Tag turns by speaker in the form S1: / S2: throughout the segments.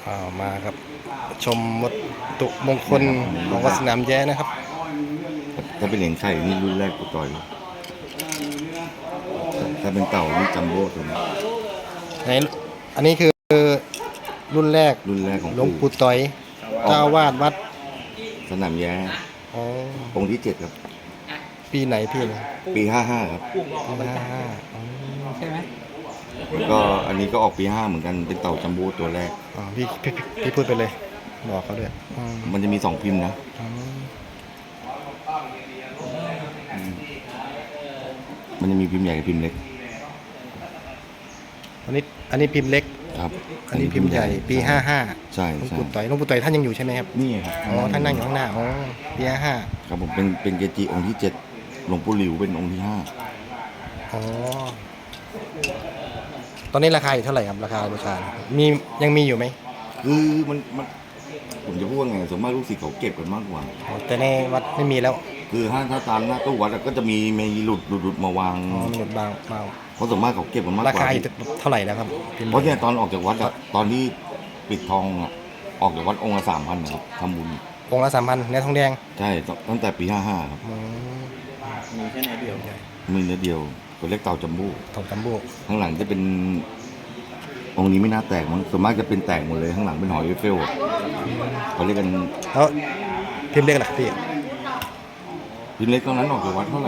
S1: มาครับชมวัตถุมงคลของวัดสนามแย้นะครับ
S2: ถ้าเป็นเหรียญไข่นี่รุ่นแรกกูต่อยถ้าเป็นเต่านี่จัมโบ้ตัวนี้
S1: ในอันนี้คือรุ่นแรก
S2: ของ
S1: หลวงปู่ต่อยเจ้าวาดวัด
S2: สนามแย้องค์ที่7ครับ
S1: ปีไหนพี่เนี่ย
S2: ปี55ครับ
S1: ปี55
S3: ใช่ไหม
S2: ก็อันนี้ก็ออกปี5เหมือนกันเป็นเต่าจัมโบ้ตัวแรก
S1: พี่พูดไปเลยบอกเขาด้วย
S2: มันจะมี2พิมพ์นะมันจะมีพิมพ์ใหญ่กับพิมพ์เล็ก
S1: อันนี้พิมพ์เล็ก
S2: ครับ
S1: อันนี้พิมพ์ใหญ่ปี55
S2: ใช่
S1: หลวงปู่ต่อยท่านยังอยู่ใช่ไหมครับ
S2: นี่ครับ
S1: ท่านนั่งอยู่ข้างหน้าปี55
S2: ครับผมเป็นเกจิองค์ที่7หลวงปู่หลิวเป็นองค์ที่5
S1: ตอนนี้ราคาอยู่เท่าไหร่ครับราคาบูชายังมีอยู่ไหม
S2: คือมันผมจะพูดว่าไงส่วนมากลูกศิษย์เขาเก็บกันมากกว่า
S1: แต่ในวัดไม่มีแล้ว
S2: คือถ้าตามหน้าตู้วัดก็จะมีหลุดมาวาง
S1: หลุดบาง
S2: เพราะส่วนมากเขาเก็บกันมากกว่า
S1: ราคาเท่าไหร่แล้วครับ
S2: เพราะเนี่ยตอนออกจากวัดตอนที่ปิดทองออกจากวัดองค์ละ3,000นะครับทำบุญ
S1: องค์ละ3,000ในทองแดง
S2: ใช่ตั้งแต่ปี55ครับ
S3: มีแค่เนื้อเดียว
S2: มีเนื้อเดียวตัวเล็กเต่าจัมโบ้ข้างหลังจะเป็นองค์นี้ไม่น่าแตกมั้งส่วนมากจะเป็นแตกหมดเลยข้างหลังเป็นหอยเฟลเขาเรียกกัน
S1: แล้วพิมพ์เล็กหลักพี่
S2: พิมพ์เล็กตอนนั้นออกจากวัดเท่าไหร่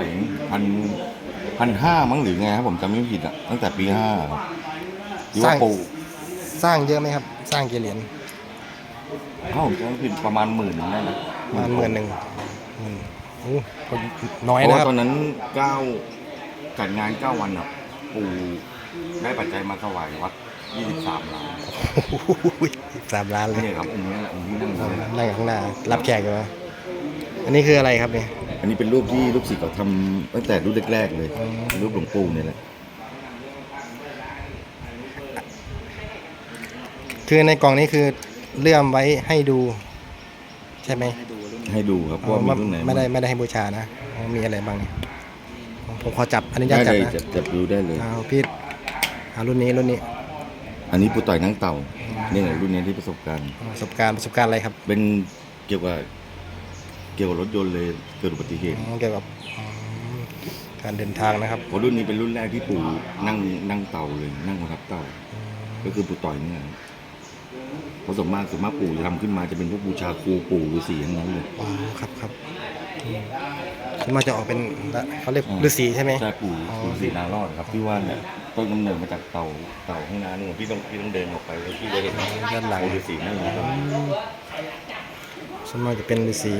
S2: 1,500มั้งหรือไงครับผมจำไม่ผิดอ่ะตั้งแต่ปี5ที่ว่าปู
S1: สร้างเยอะไหมครับสร้างกี่เหรียญ
S2: ถ้าผมจำไม่ผิดประมาณ10,000ได้นะ
S1: ประมาณ10,000ก็น้อยนะครับ
S2: เพราะตอนนั้นจัดงาน9วันอ่ะปู่ได้ปัจจัยมาถวายวัด23 ล้าน
S1: 3 ล้านเลย
S2: นี่ครับองค์นี้แหละองค์ที่นั่ง
S1: ข้างหน้ารับแขกอยู่อันนี้คืออะไรครับเนี่ย
S2: อันนี้เป็นรูปที่ลูกศิษย์เขาทำตั้งแต่รุ่นแรกๆเลยรูปหลวงปู่เนี่ยแหละ
S1: คือในกล่องนี้คือเลื่อมไว้ให้ดูใช่ไหม
S2: ให้ดูครับว่ามีรุ่นไหน
S1: ไม่ได้ให้บูชานะมีอะไรบ้างเนี่ยผมขอจับอันนี้จับนะ
S2: จับดูได้เลย
S1: พี่รุ่นนี้
S2: อันนี้ปู่ต่อยนั่งเต่านี่แหละรุ่นนี้ที่ประสบการณ์
S1: อะไรครับ
S2: เป็นเกี่ยวกับรถยนต์เลยเกิดอุบัติเหตุ
S1: เกี่ยวกับการเดินทางนะครับ
S2: เพราะรุ่นนี้เป็นรุ่นแรกที่ปู่นั่งเต่าเลยนั่งประทับเต่าก็คือปู่ต่อยนี่แหละเพราะส่วนมากปู่จะทำขึ้นมาจะเป็นพวกบูชาครูปู่ฤาษีทั้งนั้นเลย
S1: ครับส่วนมากจะออกเป็นเขาเรียกฤาษีใช่ไหม
S2: ใช่ปู่ฤาษีนารอดครับที่ว่าเนี่ยต้นกำเนิดมาจากเต่าข้างหน้านี่พี่ต้องเดินออกไปแล้วพี่จะเห็น
S1: ด้านหลัง
S2: ฤาษีนั่งอยู่
S1: ส่วนมากจะเป็นฤาษี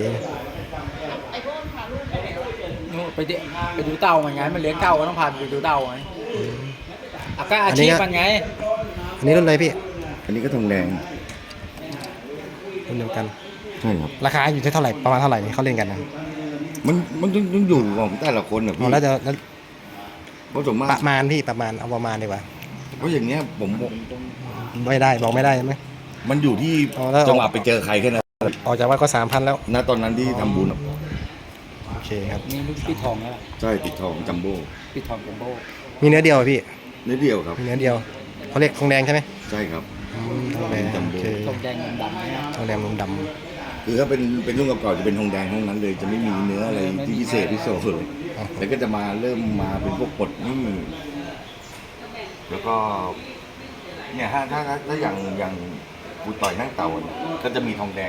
S3: ไปดูเต่ามันไงมันเลี้ยงเต่าก็ต้องพาไปดูเต่าไงก็อาชีพมันไง
S1: อันนี้รุ่นอะไรพี่
S2: อันนี้ก็ทองแดง
S1: รุ่นเดียวกัน
S2: ใช่ครับ
S1: ราคาอยู่ที่เท่าไหร่ประมาณเท่าไหร่เขาเล่นกันนะ
S2: มันต้องอยู่ของแต่ละคนนะพี่
S1: แล้ว
S2: เพราะส่วนมาก
S1: ประมาณดีกว่า
S2: เพราะอย่างเงี้ยผม
S1: ไม่ได้บอกไม่ได้ไหม
S2: มันอยู่ที่จังหวะไปเจอใครแค่นั้น
S1: ออกจากวัดก็3,000แล้ว
S2: ณตอนนั้นที่ทำบุญ
S1: โอเคครับ
S3: นี่ลูกปิดทองแล้ว
S2: ใช่ปิดทองจัมโบ้
S3: ปิดทองจัมโบ้
S1: มีเนื้อเดียวพี่
S2: เนื้อเดียวครับ
S1: มีเนื้อเดียวเขาเรียกทองแดงใช่ไหม
S2: ใช่ครับ
S1: ทองแดง
S2: จัมโบ้
S3: ทองแดงดำ
S1: ทองแดงดำ
S2: คือถ้าเป็นรุ่นเก่าๆจะเป็นทองแดงทั้งนั้นเลยจะไม่มีเนื้ออะไรที่พิเศษเลยแล้วก็จะเริ่มมาเป็นพวกปดนี่แล้วก็เนี่ยถ้าอย่างปู่ต่อยนั่งเต่าก็จะมีทองแดง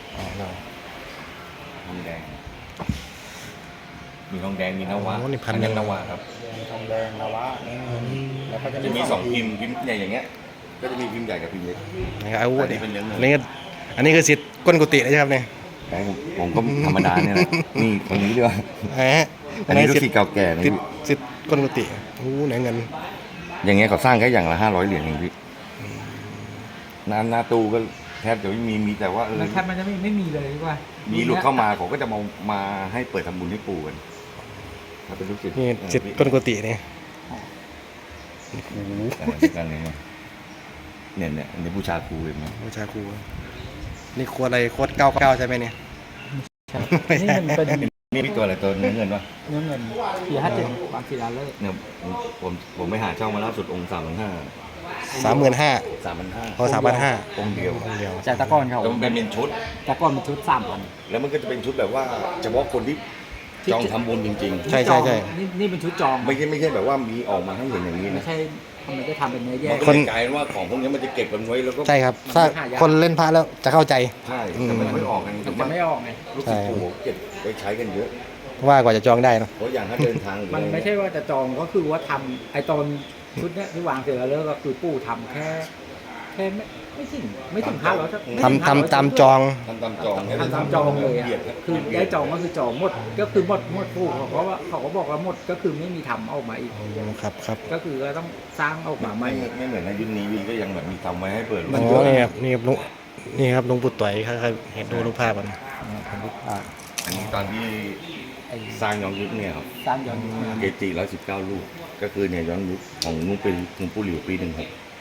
S2: มีทองแดงมีนวะ
S1: อันนี้
S2: นวะครับ
S3: ทองแดงนวะ
S2: แล้วก็จะมี2พิมพ์ใหญ่อย่างเงี้ยก็จะมีพิมพ์ใหญ่กับพิมพ์เล็ก
S1: อันนี้คือสิทธิ์ก้นกุฏิเลยใช่ครับเนี่ย
S2: ผมก็ธรรมดาเนี่ยแหละนี่คนนี้ด้วยอันนี้ลูกศิษย์เก่าแก่นะ
S1: สิทธิ์ก้นกุฏิไหนเงิน
S2: อย่างเงี้ยเขาสร้างแค่อย่างละ500 เหรียญเองพี่หน้าตู้ก็แทบจะไม่มีแต่ว่า
S3: แทบมันจะไม่มีเลยดีกว่า
S2: มีหลุดเข้ามาเขาก็จะมาให้เปิดทำบุญให้ปู่กันถ้าเป็นลูกศิษย์
S1: นี่สิทธิ์ก้นกุฏิเนี่ย
S2: กันเลยเนี่ยอันนี้บูชาครูเห็นไหม
S1: บูชาครูนี่โคตรอะไรโคตร99ใช่ไหมเนี่ย
S3: นี่มันเป็น
S2: นี่ตัวอะไรตัวเนื้อเงินวะ
S3: เนื้อเงิน457บางศิลาเลิก
S2: เนี่ยผมไปหาเช่ามาล่าสุดองค์3,500
S1: 35,000
S2: 3,500
S1: พอ3,500
S2: องค์เดียว
S1: องค์เดียว
S3: จากตะก้อนเขา
S2: แล้วมันเป็นชุด
S3: ตะก้อนเป็นชุด3,000
S2: แล้วมันก็จะเป็นชุดแบบว่าเฉพาะคนที่จองทำบุญจริง
S1: ใช่
S3: นี่เป็นชุดจอง
S2: ๆ ไม่ใช่แบบว่ามีออกมาให้เห็นอย่างนี้
S3: ไม่
S2: นะ
S3: ใช่ทำไมจะทำเป็นเนื้อแย
S2: มัน
S3: ก
S2: ก็เลยกลายเป็นว่าของพวกนี้มันจะเก็บกันไว้แล้วก็
S1: ใช่ครับ ถ้าคนเล่นพระแล้วจะเข้าใจ
S2: ใช่แต่มันไม่ออกกัน
S3: มัน
S2: ถูก
S3: จะ
S2: ไหม
S3: ไม่ออกไง
S2: ลูกศิษย์ปู่เก็บไว้ใช้กันเยอะ
S1: ว่ากว่าจะจองได้เนอะ
S2: เพราะอย่างถ้าเดินทางหรือ
S3: มัน
S2: อะไร
S3: ไม่ใช่ว่าจะจองก็คือว่าทำไอตอนชุดเนี้ยที่วางเสร็จแล้วก็คือปู่ทำแค่ไม่ถึง500
S1: ทำตามจอง
S2: ทำตามจอง
S3: ทำตามจองเลยอะ
S2: บีดรับ
S3: คือได้จองก็คือจองหมดก็คือหมดปู่เขาก็บอกว่าหมดก็คือไม่มีทำออกมาอีก
S1: ครับ
S3: ก็คือก็ต้องสร้างออกมาใหม่
S2: ไม่เหมือนในยุคนี้ยุคก็ยังแบบมีทำไว้ให้เปิด
S1: อ๋อนี่ครับลุงนี่ครับลุงปู่ต่อยครับเห็นดูรูปภาพมัน
S2: อันนี้ตอนที่สร้างย้อนยุคเนี่ยครับ
S3: สร้างย้อนยุคมา
S2: เกจิ119 ลูกก็คือเนี่ยย้อนยุคของนุ่งเป็นหลวงปู่หลิวปี16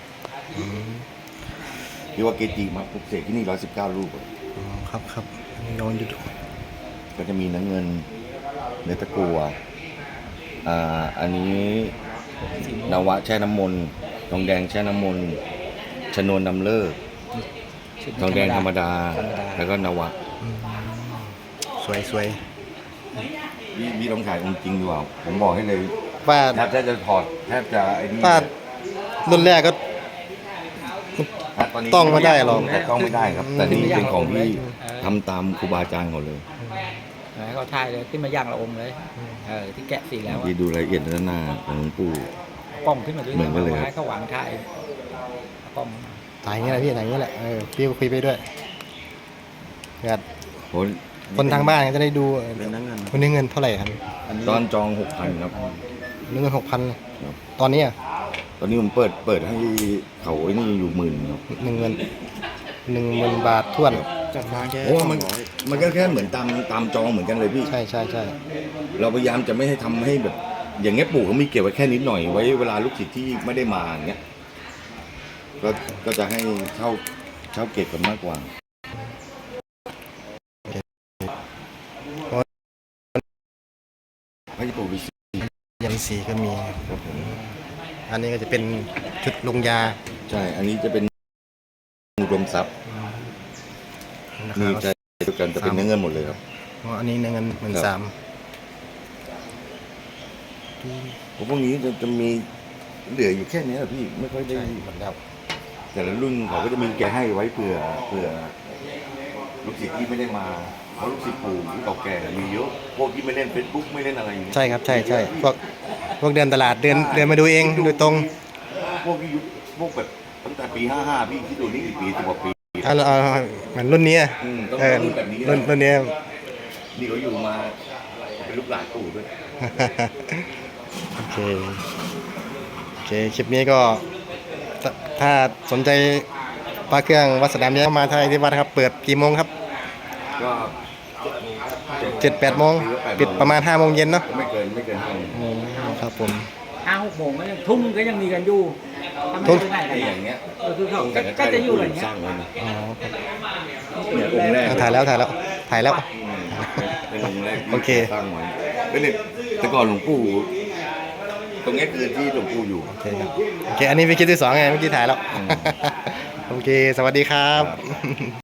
S2: ที่ว่าเกจิมาปลุกเสกที่นี่119 ลูกอะ
S1: อ๋อครับอันนี้ย้อนดู
S2: ก็จะมีน้ำเงินเนื้อตะกัวอันนี้นวะแช่น้ำมนต์ทองแดงแช่น้ำมนต์ชนวนนำเลิกทองแดงธรรมดา แล้วก็นวะ
S1: สวย
S2: พี่ต้องถ่ายองค์จริงดีกว่าผมบอกให้เลย
S1: ว่า
S2: แทบจะถอดแทบจะไอ้นี่
S1: ว่ารุ่นแรกก็
S2: ตอนนี้
S1: ต้องไม่ได้หรอก
S2: แต่ต้องไม่ได้ครับ แต่นี่เป็นของที่ทำตามครูบาอาจารย์เขาเลย
S3: ให้เขาถ่ายเลยขึ้นมาย่างละองค์เลยที่แกะสีแล้ว
S2: ที่ดูรายละเอียดด้านหน้าของหลวงปู่
S3: กล้องขึ้นมาด้วย
S2: เหมือนกันเลย
S3: ให้เขาวางถ่ายกล้อง
S1: ถ่ายอย่างเงี้ยแหละพี่ถ่ายอย่างเงี้ยแหละพี่ก็คุยไปด้วยอยาก
S2: โอ้ย
S1: คนทางบ้านจะได้ดู
S2: เป็นนักเงิน
S1: วันนี้เงินเท่าไหร่ครับ
S2: ตอนจอง 6,000 ครับ
S1: เงิน6,000เลย
S2: ครับ
S1: ตอนนี้อ่ะ
S2: ตอนนี้ผมเปิดให้เขาไอ้นี่อยู่10,000ครับ
S1: 10,000 บาทท้วน
S3: จัดมาแค่
S2: โอ้มันก็แค่เหมือนตามจองเหมือนกันเลยพี่
S1: ใช่
S2: เราพยายามจะไม่ให้ทำให้แบบ อย่างเงี้ยปู่เขามีเก็บไว้แค่นิดหน่อยไว้เวลาลูกศิษย์ที่ไม่ได้มาอย่างเงี้ยก็จะให้เช่าเก็บกันมากกว่าให้ปู่วิ
S1: ยันสีก็มี
S2: ครับผม
S1: อันนี้ก็จะเป็นชุดลงยา
S2: ใช่ อันนี้จะเป็นอุดมทรัพย์
S1: นะ
S2: นี่
S1: ครับ
S2: จะเดียวกันจะเป็นเนื้อเงินหมดเลยครับ
S1: อันนี้เงิน13,000
S2: พวกนี้จะมีเหลืออยู่แค่นี้แหละพี่ไม่ค่อยได้
S1: หมดแล้ว
S2: แต่ละรุ่นเขาก็จะมีแกให้ไว้เผื่อลูกศิษย์ที่ไม่ได้มาเพราะลูกศิษย์ปู่ที่เก่าแก่มีเยอะพวกที่ไม่เล่น Facebook ไม่เล่นอะไรอย่างเงี้ย
S1: ใช่ครับใช่พวกเดินตลาดเดินมาดูเองโดยตรง
S2: พวกที่ยุคพวกแบบตั้งแต่ปี55พี่ที่ดูนี่กี่ปี10 กว่าปี
S1: เอาเหมือนรุ่นนี้อะ
S2: ต้อง
S1: รุ่
S2: รุ่นแบบนี้
S1: รุ่นนี้
S2: นี่เขาอยู่มาเป็นลูกหลานปู่ด้วย
S1: โอเคคลิปนี้ก็ถ้าสนใจปลาเครื่องวัดสนามแย้มาที่วัดครับ เปิดกี่โมงครับ
S2: ก็
S1: 7-8 โมงปิดประมาณ5 โมงเย็นเนาะ
S2: ไม่เกิน5 โมง
S1: ครับผม
S3: 5-6 โมงก็ยังทุ่มก็ยังมีกันอยู่ถ้าไม่
S1: ทุ่ม
S3: ไปไหน
S2: ไอ้
S3: กัน
S2: อย่างเงี้ย
S3: คือเขาก็จะอยู่อย่างเงี้
S2: ส
S3: ย
S2: ร้างไว้นะ
S1: อ๋อ
S2: เนี่ยองค์แรก
S1: ถ่ายแล้ว
S2: เป็นองค์แรก
S1: โอเค
S2: ที่สร้างไว้ก็เนี่ยแต่ก่อนหลวงปู่ตรงเนี้ยคือที่หลวงปู่อยู่
S1: โอเคครับโอเคอันนี้เป็นคลิปที่ 2ไงเมื่อกี้ถ่ายแล้ว โอเค สวัสดีครับ